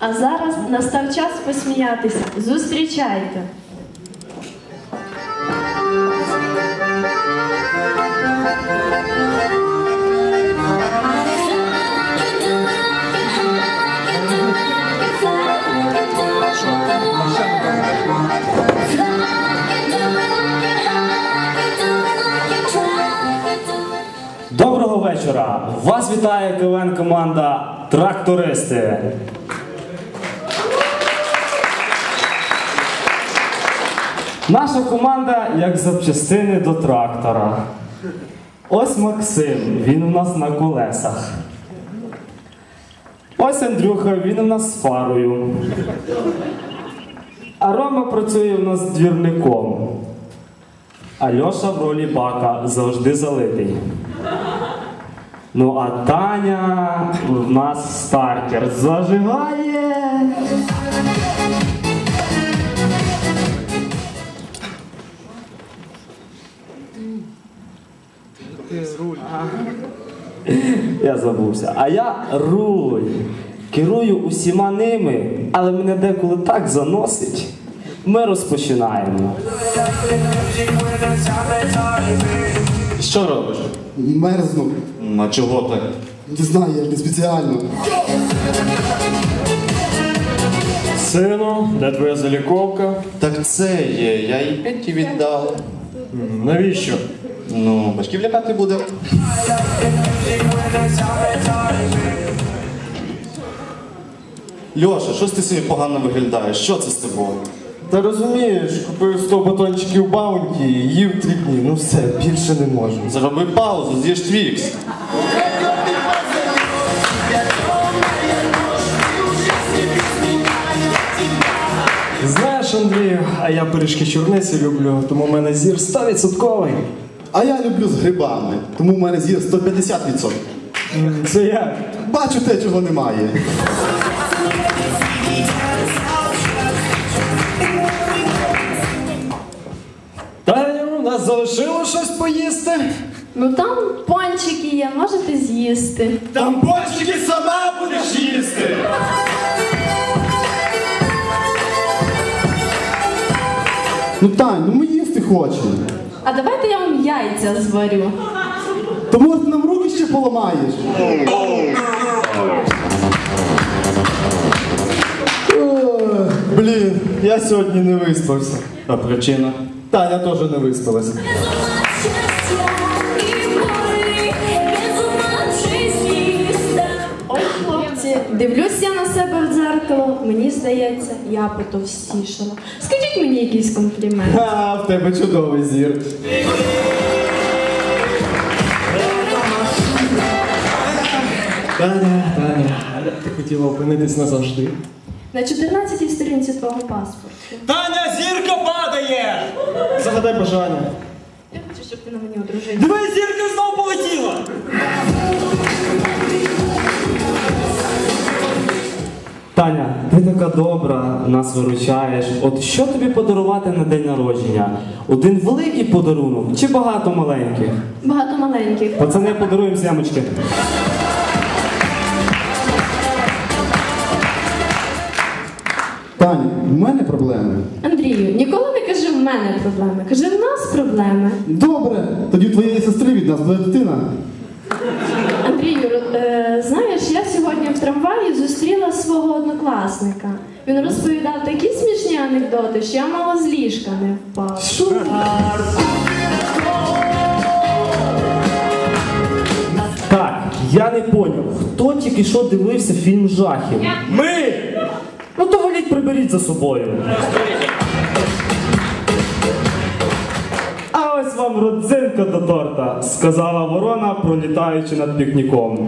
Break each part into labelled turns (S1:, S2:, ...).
S1: А зараз настав час посміятися. Зустрічайте!
S2: Доброго вечора! Вас вітає КВН-команда «Трактористи». Наша команда як запчастини до трактора. Ось Максим, він у нас на колесах. Ось Андрюха, він у нас з фарою. А Рома працює у нас двірником. А Льоша в ролі бака завжди залитий. Ну а Таня в нас стартер зажигає.
S3: Руль.
S2: Я забувся. А я руль. Керую усіма ними, але мене деколи так заносить. Ми розпочинаємо.
S3: Що робиш?
S4: Мерзну.
S3: А чого так?
S4: Не знаю, я не спеціально.
S5: Сину, де твоя заліковка?
S3: Так це є, я їй Петі віддав.
S5: Навіщо?
S3: Ну, батьків лякати буде. Льоша, щось ти сьогодні погано виглядаєш? Що це з тобою?
S5: Та розумієш, купив 100 батончиків Баунті, їв 3 дні, ну все, більше не можу.
S3: Зроби паузу, з'їж твікс.
S5: Знаєш, Андрію, а я пиріжки чорниці люблю, тому в мене зір 100%.
S4: А я люблю з грибами, тому в мене зір 150%.
S5: Це як?
S4: Бачу те, чого немає.
S5: Таню, у нас залишило щось поїсти?
S1: Ну там пончики є, можете з'їсти.
S5: Там пончики сама будеш їсти!
S4: Ну Тань, ну ми їсти хочемо.
S1: А давайте я вам яйця зварю.
S4: То може ти нам руки ще поламаєш?
S5: Блін, я сьогодні не виспався.
S3: А причина?
S5: Таня теж не виспалася.
S1: Ой, хлопці, дивлюсь я на себе в дзеркало, мені здається, я потовстішала. Скажіть мені якийсь комплімент.
S5: А, в тебе чудовий зір. Таня, ти хотіла опинитись назавжди.
S1: На 14-й сторінці твого паспорту.
S6: Таня, зірка падає!
S5: Загадай бажання.
S1: Я хочу, щоб ти на мені одружився.
S6: Диви, зірка знову полетіла!
S2: Таня, ти така добра, нас виручаєш. От що тобі подарувати на день народження? Один великий подарунок чи багато маленьких?
S1: Багато маленьких.
S2: Пацани, подаруємо сямочки.
S4: Тань, в мене проблеми.
S1: Андрію, ніколи не кажи в мене проблеми. Кажи в нас проблеми.
S4: Добре, тоді у твоєї сестри від нас буде дитина.
S1: Андрію, знаєш, я сьогодні в трамваї зустріла свого однокласника. Він розповідав такі смішні анекдоти, що я мало з ліжка не впав.
S4: Що?
S2: Так, я не поняв, хто тільки що дивився фільм жахів?
S6: Ми!
S2: Ну то воліть, приберіть за собою. А ось вам родзинка до торта, сказала ворона, пролітаючи над пікніком.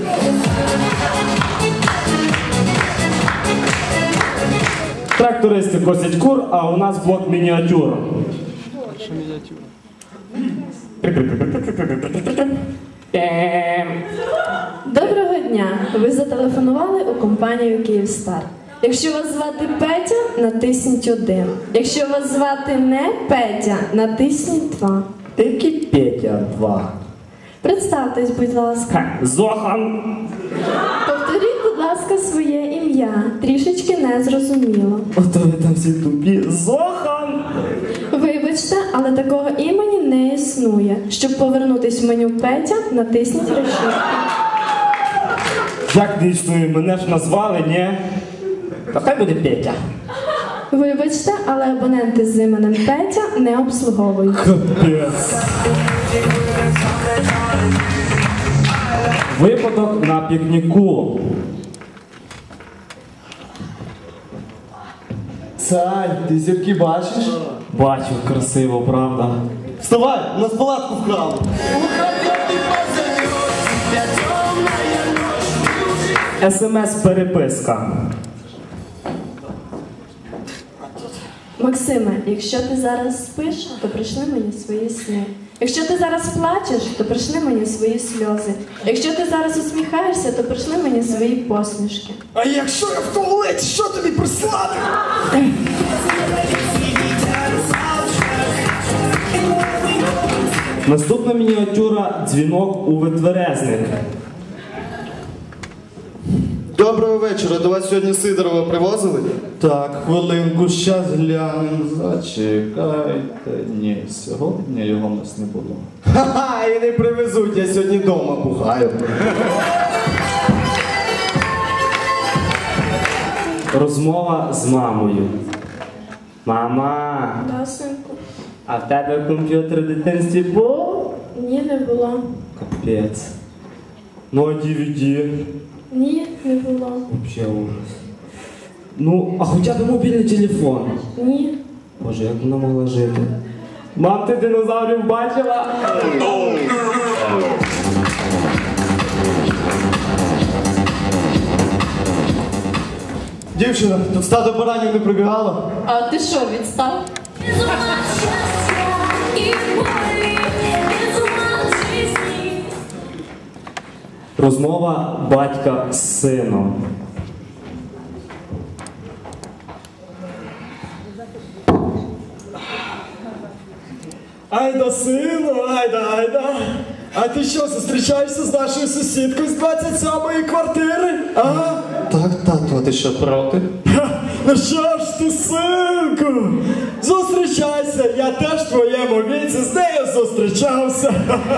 S2: Трактористи косять кур, а у нас блок мініатюр.
S5: Що мініатюра?
S1: Доброго дня! Ви зателефонували у компанію «Київстар». Якщо вас звати Петя, натисніть 1. Якщо вас звати не Петя, натисніть 2.
S2: Тільки Петя 2.
S1: Представтесь, будь ласка.
S2: Зохан.
S1: Повторіть, будь ласка. ласка, своє ім'я. Трішечки не зрозуміло.
S2: Ото ви там всі тупі. Зохан!
S1: Вибачте, але такого імені не існує. Щоб повернутись в меню Петя, натисніть решітку.
S2: Як не існує? Мене ж назвали, ні? Та хай буде Петя.
S1: Вибачте, але абоненти з іменем Петя не обслуговують.
S2: Капець. Випадок на пікніку.
S5: Сань, ти зірки бачиш?
S2: Бачу, красиво, правда?
S5: Вставай, у нас палатку вкрали.
S2: СМС-переписка.
S1: Максиме, якщо ти зараз спиш, то прийшли мені свої сни. Якщо ти зараз плачеш, то прийшли мені свої сльози. Якщо ти зараз усміхаєшся, то прийшли мені свої посмішки.
S6: А якщо я в туалеті, що тобі прислати?
S2: Наступна мініатюра «Дзвінок у витверезник».
S3: Доброго вечора. До вас сьогодні Сидорова привозили?
S4: Так, хвилинку, щас глянем.
S3: Зачекайте. Ні, сьогодні його в нас не було.
S5: Ха-ха, і не привезуть, я сьогодні вдома бухаю.
S2: Розмова з мамою. Мама,
S1: Да, синку?
S2: а в тебе комп'ютер в дитинстві був?
S1: Ні, не було.
S2: Капець. Ну, а DVD?
S1: Ні, не було.
S2: Вообще ужас. Ну, а хоча б мобільний телефон.
S1: Ні.
S2: Боже, як вона могла жити? Мам, ти динозаврів бачила?
S5: Дівчина, тут стадо баранів не прибігало?
S1: А ти що, відстав?
S2: Розмова батька з сином.
S6: Айда, сину, айда. А ти що, зустрічаєшся з нашою сусідкою з 27-ї квартири? Ага.
S3: Так, тату, а ти що, проти?
S6: Ха, ну що ж ти, синку? Зустрічайся, я теж в твоєму віці з нею зустрічався.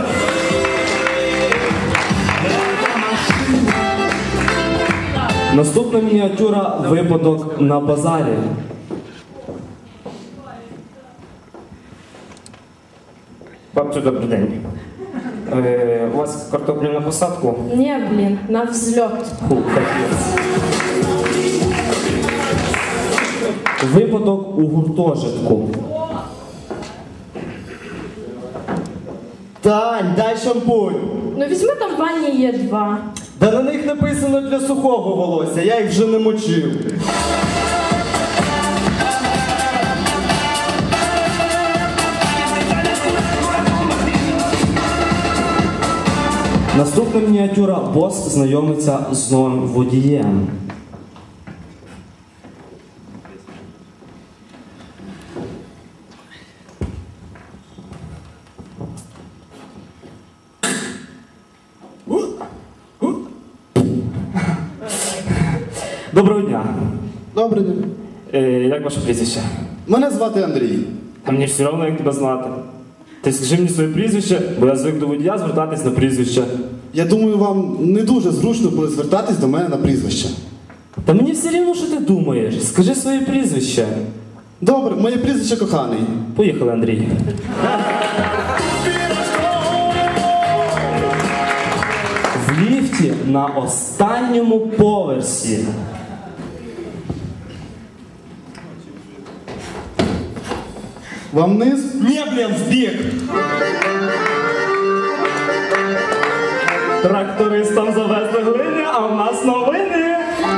S2: Наступна мініатюра «Випадок на базарі». Бабцю, добрий день. У вас картоплю на посадку?
S1: Ні, блін, на взльот.
S2: Фу, капець. Випадок у гуртожитку.
S5: Тань, дай шампунь.
S1: Ну візьми, там в ванні є 2.
S5: Да на них написано для сухого волосся, я їх вже не мочив.
S2: Наступна мініатюра «Бос знайомиться з новим водієм». Доброго дня.
S4: Добрий день.
S2: Як ваше прізвище?
S4: Мене звати Андрій.
S2: А мені все одно, як тебе знати. Ти скажи мені своє прізвище, бо я звик до водія звертатись на прізвище.
S4: Я думаю, вам не дуже зручно буде звертатись до мене на прізвище.
S2: Та мені все рівно, що ти думаєш. Скажи своє прізвище.
S4: Добре, моє прізвище коханий.
S2: Поїхали, Андрій. В ліфті на останньому поверсі.
S4: Вам вниз?
S6: Ні, блін, в бік.
S2: Трактористам завезли глини, а в нас новини.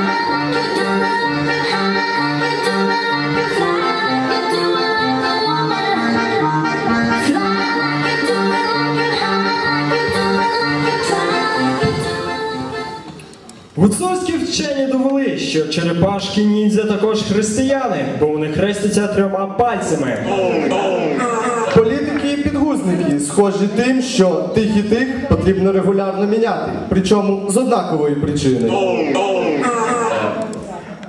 S6: Гуцульські вчені довели, що черепашки ніндзя також християни, бо вони хрестяться 3 пальцями.
S5: Політики і підгузники схожі тим, що тих і тих потрібно регулярно міняти, причому з однакової причини.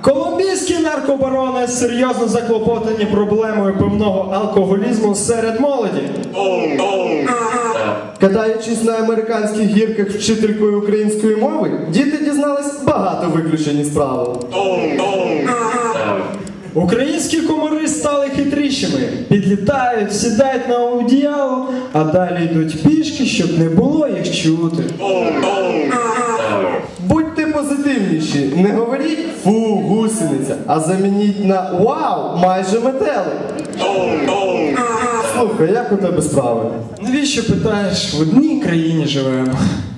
S6: Колумбійські наркобарони серйозно заклопотані проблемою пивного алкоголізму серед молоді.
S5: Катаючись на американських гірках вчителькою української мови, діти дізнались багато виключень із правил.
S6: Українські комари стали хитрішими. Підлітають, сідають на одіяло, а далі йдуть пішки, щоб не було їх чути.
S5: Будьте позитивніші, не говоріть «фу, гусениця», а замініть на «вау, майже метелик». Слухай, як у тебе справи?
S6: Навіщо питаєш? В одній країні живемо.